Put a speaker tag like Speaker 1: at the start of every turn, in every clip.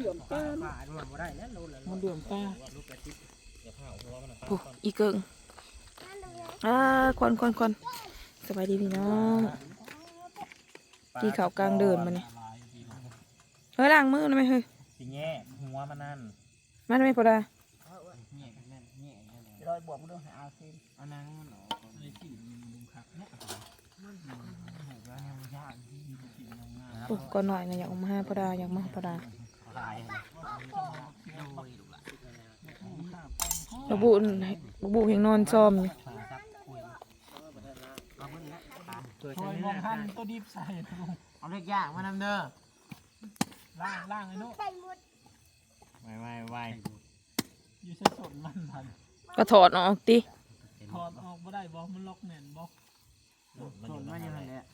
Speaker 1: ลื่อมตามันเหลื่อมตาโอ้อีเกิงควันสบายดีพี่น้องที่เขากลางเดินมาเนี่ยเฮ้ยล้างมือหน่อยไหมเฮ้ย
Speaker 2: สิแง่หัวมันนั่น
Speaker 1: มาได้ไหมพอได้
Speaker 3: รอยบวกมันต้องหาเอาซิม
Speaker 2: อันนั้นมันออกไอ้ที่มันลุมคักเนี่ย
Speaker 1: โอ้ก่อนหน่อยนะอยากออกมาให้พอได้อยากมาพอได้ระบุเห็นนอนซ้อมอยู่
Speaker 2: คอยมองทันก็ดิบใส่
Speaker 3: เอาเล็กย่างมานำเด้อ
Speaker 2: ล่างไอ้นุ๊กไวอยู่ใช้สดมันทัน
Speaker 1: ก็ถอดออกติ
Speaker 2: ถอดออกบ่ได้บ่มันล็อกแน่นบ่
Speaker 3: สดมันยังไงเนี่ย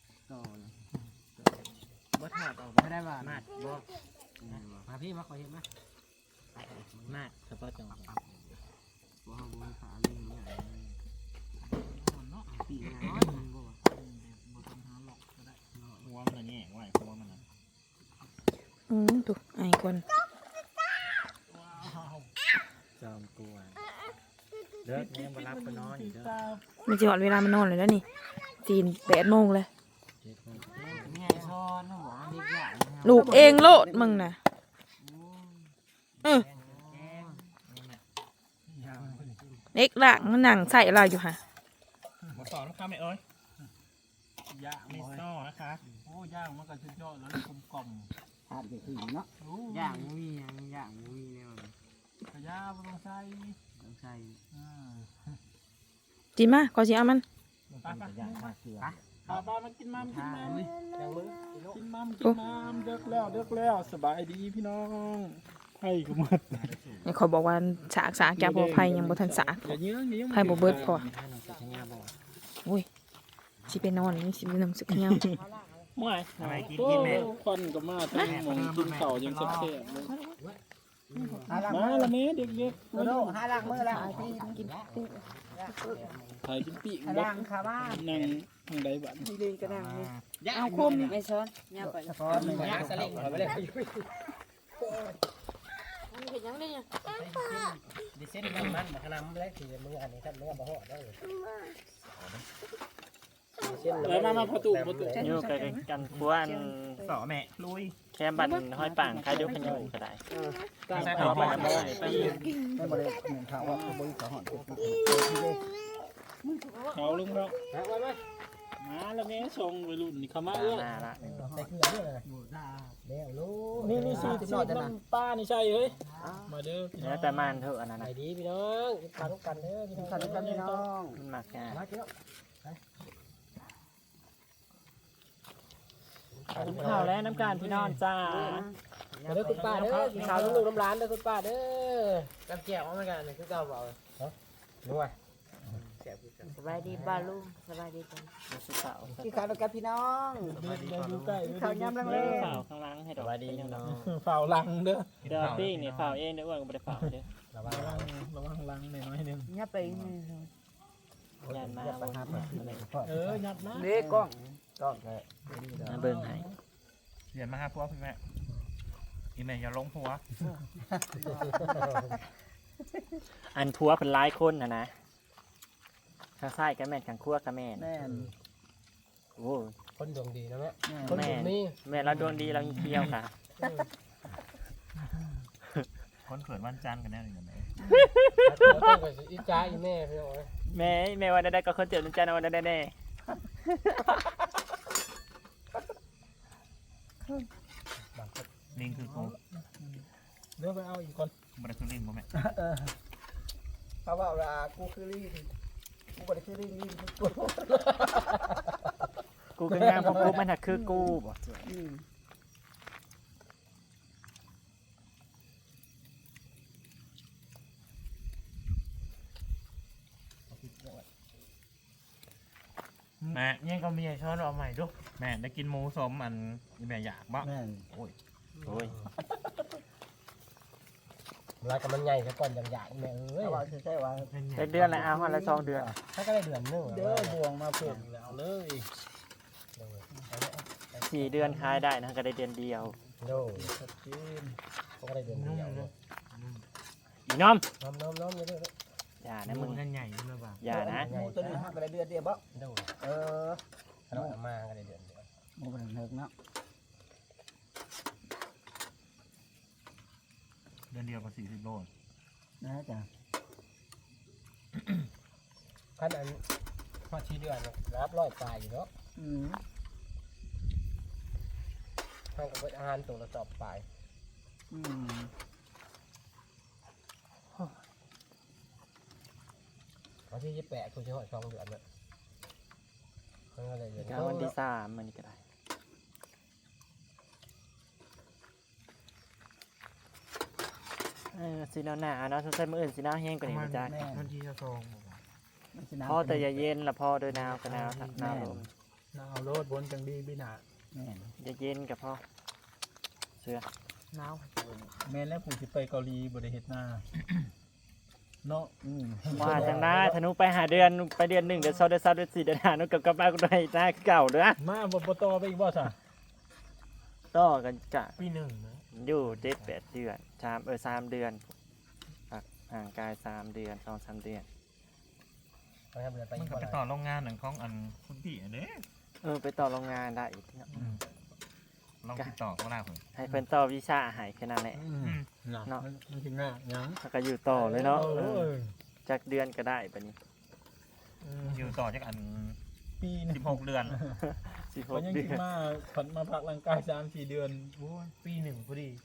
Speaker 2: บ่ถอดออก
Speaker 3: ไม่ได้บ่
Speaker 2: มาบ่
Speaker 3: มาพี่มาขอเห็นมา
Speaker 2: เฉพาะจังหวะ
Speaker 3: บ่เอาบ่ขาเล่นเนี่ย
Speaker 2: เนาะ
Speaker 3: ปีน้อยบ่
Speaker 2: ต้องหาล็อกก็ได้หัวมันแง่ไว้หัวมันน่ะ
Speaker 1: ถูกไอ้คน
Speaker 2: จอมกวนเลิกเนี่ยมารับไปนอนอยู่เด้อ
Speaker 1: มันจะหอดเวลามันนอนเลยแล้วนี่8 โมงเลยลูกเองโลดมึงน่ะเล็กหลังมันหนังใส่อะไรอยู่ฮะ
Speaker 2: มาสอนนะครับแม่เอ้ยย่างไม่ซ้อนะคะโอ้ย่างมันก็สุดยอดแล้วกลม
Speaker 3: ทานไปถึงเนาะย่างมุ้ยย่างมุ้ยเนี่ย
Speaker 2: ขยะมันต้องใส่
Speaker 1: จีมาขอจีเอามัน
Speaker 2: ป้ามันกินมัมเด็กแล้วสบายดีพี่น้องไผ่ก็หมด
Speaker 1: เนี่ยเขาบอกว่าสากแกพอไผ่ยังบ่ทันสากไผ่บ่เบิดพอโอ้ยสิไปนอนนี่สิไปนั่งสึกเงี้ย
Speaker 2: ไม่กินแม่ควันก็มาทั้งมงกินเข่ายังแซ่บมาละแม่เด็ก
Speaker 3: ๆโดหาล้างมือละกิน
Speaker 2: ถ่ายกินปีก
Speaker 3: ล้างขาบ้าน
Speaker 2: นั่งทางใดบ้าน
Speaker 3: ดีก็นั่ง
Speaker 1: เอาคมไม่ช้อนย่าไป
Speaker 3: ช้อนย่าสลิงไปเลย
Speaker 1: เห็นยังได้ยัง
Speaker 3: ดิเส้นมันขนาดมันเล็กทีมืออันนี้ถ้ามือบ่ห่อได้
Speaker 2: แล้วมาประตู
Speaker 4: อยู่กันพวน
Speaker 2: สอแม่ลุย
Speaker 4: แค่บันห้อยป่างคายยกขยุก็ได้
Speaker 2: ใส่เขาไปทำอะไร
Speaker 3: ไม่บริเหมือนเขาว่าบริเขาหอน
Speaker 2: เขาลุงเรามาแล้วแม่ชงไปรุ่นนี่เขามา
Speaker 4: ละ
Speaker 3: ใส่เกลือด้วยเลย
Speaker 2: นี่ซีน้ำปลานี่ใช่เฮ้ยมาเด้อ
Speaker 4: แล้วแต่มันเถอะอันนั้น
Speaker 3: ดีพี่น้องทานทุกกันเด้อทานทุกกันพี่น้อง
Speaker 4: มันหมักแก่ข้าวแล้วน้ำการพี่น้องจ้า
Speaker 3: เด้อคุณป้าเด้อข้าวลูกน้ำร้านเด้อคุณป้าเด้อกับแก้วเอามากันคือเก่าเปล่าด้วย
Speaker 5: สบายดีป้าลุงสบายดีจัง
Speaker 3: ที่ข้าวกับพี่น้อง
Speaker 2: ดูใกล้
Speaker 3: ข้าวยำลังเล
Speaker 4: ยฝ่าข้างล่างให้ดอก
Speaker 2: สบายดีน้องฝ่าลังเด้อ
Speaker 4: เดี๋ยวปิ้งเนี่ยฝ่าเองเดี๋ยวอ้วนก็ไม่ได้ฝ่าเด้อ
Speaker 2: ระวังลังน้อยนึง
Speaker 5: ยับไป
Speaker 4: ยันมา
Speaker 2: ยัดนะ
Speaker 3: เด็กกล้อง
Speaker 4: เบิ่งให้
Speaker 2: เรียนมาหาพวกพี่แม่อีแม่อย่าลงหัว
Speaker 4: อันพัวเป็นหลายคนนะข้างซ้ายกับแม่ข้างขั้วกับแม่โอ้
Speaker 3: คนดวงดีนะแม่
Speaker 4: แม่เราดวงดีเราเที่ยวค่ะ
Speaker 2: คนเกิดวันจันทร์กันแน่เลยนะ
Speaker 3: อีจ้าอีแม่พี่โอ้ย
Speaker 4: แม่วันใดก็คนเจ็บวันจันทร์วันใดแน่
Speaker 2: ลิงคือกู
Speaker 3: เดี๋ยวไปเอาอีกคน
Speaker 2: มันคือลิงป่ะแม่
Speaker 3: เขาบอกว่ากูคือลิงกูก็ได้คือลิง
Speaker 4: กูคืองามของกูมันหักคือกูบ่
Speaker 2: แม่ยังก็มีช้อนเอาใหม่ดูแม่ได้กินหมูสมอันแม่อยากบ้างโอ้ย
Speaker 3: แล้วก็มันใหญ่ซะก่อนอย่างแม่เอ้ยใช่ว่า
Speaker 4: เป็นเดือนแล้วเอาละ2 เดือน
Speaker 3: ถ้าก็ได้เดือนนึงเด้อบวงมาเพิ่มแล้วเลย
Speaker 4: 4 เดือนขายได้นะก็ได้เดือนเดียว
Speaker 3: โดชัดเจนก็ได้เดือนเดียวเลย
Speaker 4: อีน้อม
Speaker 3: น้อมเรื่อย
Speaker 4: อย่านะมึง
Speaker 2: กันใหญ่ขึ้นมาบ้าง
Speaker 4: อย่านะ
Speaker 3: หมูตัวนี้ห้าก็ได้เดือนเดียวบ่โดขนมมาก็ได้เดือนเดียวหมูเป็นเลิกเนาะ
Speaker 2: เดือนเดียวกับ40 โล
Speaker 3: นะจ๊ะขั้นอันพอชีเดือนรับร้อยปลายอยู่เนาะทางกับอาหารตัวละสอบปลายวันที่28คุณจะหอด2 เดือนเนี่ยก็เลยเดือน
Speaker 4: วันที่3มันนี่ก็ได้สีหนาวเนาะใส่มื้ออื่นสีหนาวแห้งกว่านี้จ้ะ
Speaker 2: วันที่จะทรง
Speaker 4: พ่อแต่อย่าเย็นละพ่อโดยหนาวก็หนาวหนาวลม
Speaker 3: เอาโลดบนจังดีพี่หนา
Speaker 4: อย่าเย็นกับพ่อเสื้อ
Speaker 1: หนาว
Speaker 3: แม่แล้วผู้ที่ไปเกาหลีบริเฮ็ดหน้าเนาะ
Speaker 4: มาจังได้ธนูไปหาเดือนไปเดือน1เดือน2เดือน3เดือน4เดือน5นุกกับบ้านก็ได้หน้าคือเก่าเด้อ
Speaker 3: มาบ่ต่อไปอีกบ่ซะ
Speaker 4: ต่อกันกะ
Speaker 2: ปี 1นะ
Speaker 4: อยู่7-8 เดือน3 เดือนห่างกาย3 เดือน 2-3 เดือน
Speaker 2: มันก็ไปต่อโรงงานหนังของอันคุณพี่อันนี้
Speaker 4: ไปต่อโรงงานได้อีกเนาะ
Speaker 2: ลองติดต่อเขาได้ผม
Speaker 4: ให้เพิ่นต่อวีซ่าให้แค่นั้นแหละ
Speaker 3: เนาะมันถึงง่ายยัง
Speaker 4: แล้วก็อยู่ต่อเลยเนาะจากเดือนก็ได้บัดนี้
Speaker 2: อยู่ต่อจากอัน
Speaker 3: ปีนึง
Speaker 2: 16 เดือน
Speaker 3: มันยัง
Speaker 4: 16 เดื
Speaker 3: คิ
Speaker 4: อ
Speaker 3: ด
Speaker 4: น
Speaker 3: มาผันมาพักร่างกาย3-4 เดือน
Speaker 2: โอ้ยปี 1พอดี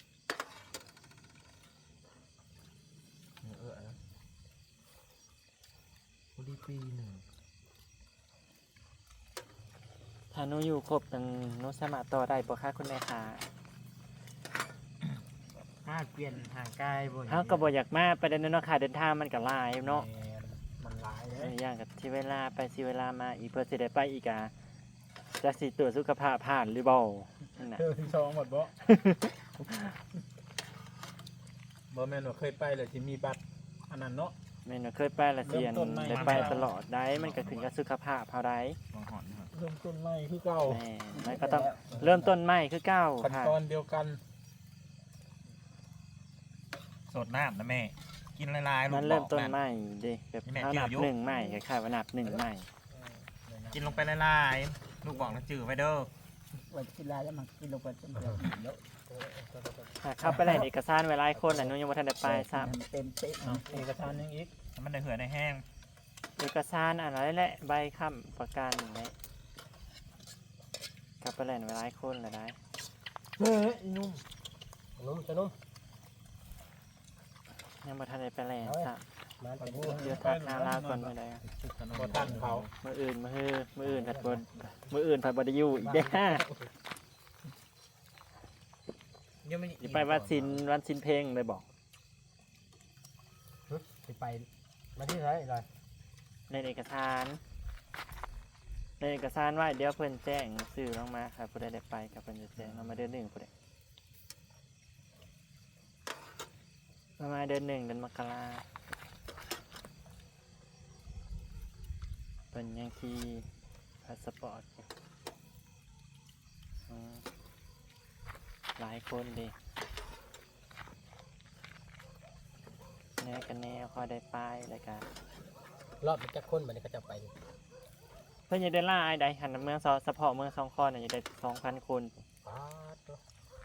Speaker 2: พอดีปี 1
Speaker 4: ถ้าหนูอยู่ครบตั้งหนูสามารถต่อได้บ่คะคุณแม่คะ
Speaker 2: มาเปลี่ยนห่างกายบ่
Speaker 4: เฮาก็บ่อยากมาประเด็นนั้นเนาะค่าเดินทางมันก็หลายเนาะ
Speaker 3: มันหลายเลย
Speaker 4: อย่างกับที่เวลาไปสิเวลามาอีกเพื่อสิได้ไปอีกอ่ะจะสิตรวจสุขภาพผ่านหรือบ่นั่นน่ะ
Speaker 3: เธอที่2หมดบ่บ่แม่นว่าเคยไปแล้วสิมีบัตรอันนั้นเนาะ
Speaker 4: แม่นว่าเคยไปละเสียน
Speaker 3: เริ่มต้นใหม่
Speaker 4: ได้ไปตลอดได้มันก็ขึ้นกับสุขภาพเฮาได้
Speaker 2: บางหอนครับ
Speaker 3: เริ่มต้นใหม่คือเก่า
Speaker 4: แม่มันก็ต้องเริ่มต้นใหม่คือเก่า
Speaker 3: ขั้น
Speaker 4: ค่ะ
Speaker 3: ตอนเดียวกัน
Speaker 2: สดน้ำนะแม่ กินลายๆลู
Speaker 4: มั
Speaker 2: ก
Speaker 4: น
Speaker 2: บ
Speaker 4: เริ่
Speaker 2: อ
Speaker 4: ม
Speaker 2: ก
Speaker 4: ต้น
Speaker 2: นะ
Speaker 4: ใหม่ดิแบบ
Speaker 2: นี่แม่
Speaker 4: เฮา
Speaker 2: เกี่
Speaker 4: นั
Speaker 2: ยว
Speaker 4: บ
Speaker 2: อยู่
Speaker 4: หนึ่งใหม่คล้ายๆว่านับหนึ่งใหม่
Speaker 2: กินลงไปลายๆลูกบอกนะจืดไว้เด้อ
Speaker 3: ว่ากินลายแล้วมันกินลงไปจนเดียวเยอะ
Speaker 4: หากเข้าไปแหล่งเอกสารไว้หลายคนน่ะหนูยังบ่ทันได้ไปซ้ำ
Speaker 3: เต็มเป๊ะเอกสารยังอีก
Speaker 2: มันได้เหือในแห้ง
Speaker 4: เอกสารอะไรแหละใบค้ำประกันนี่กลับไปแหล่งไว้หลายคนแล้วได้
Speaker 3: เฮ้ยนุ่มจะนุ่ม
Speaker 4: ยังบ่ทันได้ไปแหล่งซ้ำ
Speaker 3: มาแต่
Speaker 4: เดี๋ยวทักหาลาวก่อนมื้อใด
Speaker 3: บ่ทันเขา
Speaker 4: มื้ออื่นผัดบ่ได้อยู่อีกเด้อ
Speaker 2: ยังไม่
Speaker 4: สิไปวันศิลเพลงเลยบอก
Speaker 3: ไปมาที่ไหนเลย
Speaker 4: ในเอกสารไว้เดี๋ยวเพิ่นแจ้งสื่อลงมาครับผู้ใดได้ไปกับเพิ่นจะแจ้งลงมาเดือน1ผู้ใดประมาณเดือน1เดือนมกราเพิ่นยังขี่พาสปอร์ตอยู่หลายคนดิแน่กันแน่พอได้ไปแล้วกัน
Speaker 3: รอบมันจะค้นมันก็จะไป
Speaker 4: เพื่อนอยากได้ล่าไอ้ใดหันเมืองเฉพาะเมืองสองคอนอยากได้2,000 คน
Speaker 3: ป้าตัว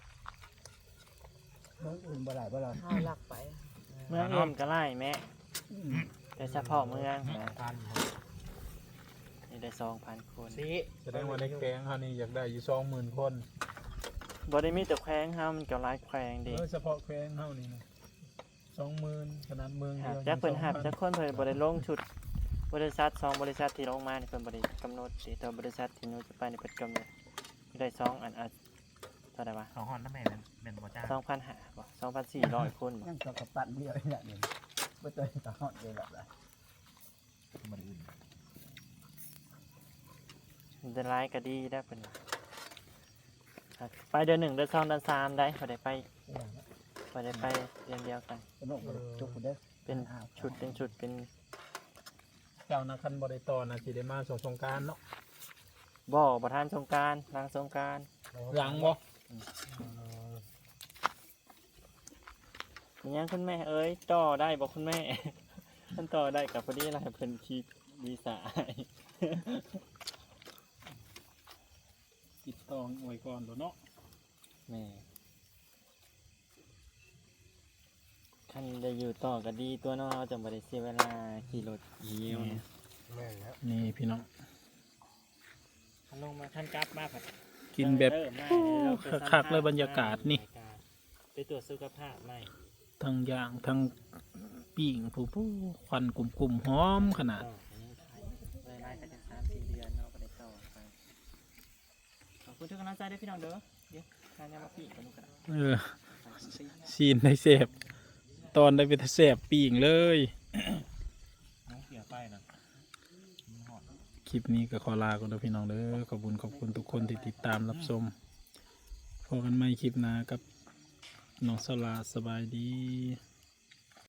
Speaker 3: เมืองอื่นบ่ได้บ่ล่ะ
Speaker 1: เอาหลักไป
Speaker 4: เมืองอื่นก็ไล่แม่แต่เฉพาะเมืองนะ
Speaker 3: พัน
Speaker 4: อยากได้2,000 คน
Speaker 2: สิ
Speaker 3: แสดงว่าในแกงเขานี่อยากได้อยู่20,000 คน
Speaker 4: บ่ได้มีแต่แขวงเฮามันก็หลายแขวงดิ
Speaker 3: เฉพาะแกงเขานี่นะ20,000ขนาดเมือง
Speaker 4: หา
Speaker 3: เดียว
Speaker 4: จักเพิ่นหับจักคนเพิ่นบ่ได้ลงชุดบริษัท2บริษัทที่ลงมานี่เพิ่นบ่ได้กำหนดสิแต่บริษัทที่หนูจะไปนี่เพิ่นกำหนดได้2อันเท่าใดวะ
Speaker 2: 2 หอนนะแม่เป็นบ่จ้า
Speaker 4: 2,500บ่2,400 คนบ่
Speaker 3: ยังกับปั้นเดียวนี่แหละนี่บ่ตัวตาฮอดเลยล่ะ
Speaker 2: บ่ได้อื่น
Speaker 4: มันจะหลายก็ดีได้อเพิ่นไปเดือน1เดือน2เดือน3ได้บ่ได้ไปเดือนเดียวกัน
Speaker 3: สนุกจุกเด้อ
Speaker 4: เป็นชุดเป็น
Speaker 3: เจ้านะคันบ่ได้ต่อนะสิได้มาสงกรานต์เนาะ
Speaker 4: บ่อประธานสงกรารหลังสงกราร
Speaker 3: หลังบ่
Speaker 4: มันยังคุณแม่เอ้ยต่อได้บอกคุณแม่ ท่านต่อได้กับพอดีอะไรเพิ่นคีวีซ่า
Speaker 6: ติดต่อไว้ก่อนแล้วเนาะ
Speaker 4: แม่คันจะอยู่ต่อก็ดีตัวเน้องเราจะบ่ได้เสียเวลาขี่รถเยี่ยว
Speaker 3: แม่นแล้ว
Speaker 6: นี่พี่น้อง
Speaker 4: คันลงมาคันกลับมาผัด
Speaker 6: กินแบบคักๆเลยบรรยากาศนี่
Speaker 4: ไปตรวจสุขภาพใหม่
Speaker 6: ทั้งย่างทั้งปิ้งผู้ควันกลุ่มๆหอมขนาด
Speaker 4: ต่อไปนี้ไทยเวลาก็จะ3-4 เดือนเนาะก็ได้ต่อไปขอบคุณทุกกำลังใจด้วยพี่น้องเด้อเดี๋ยวการยามาปีกันดูกัน
Speaker 6: ซีนได้เสพตอนได้ไปเสพปิ้งเลย
Speaker 2: น้องเสียไปนะมันหอด
Speaker 6: คลิปนี้ก็ขอลาก่อนนะพี่น้องเด้อขอบคุณทุกคนที่ติดตามรับชมพบกันใหม่คลิปหน้ากับน้องสลาสบายดี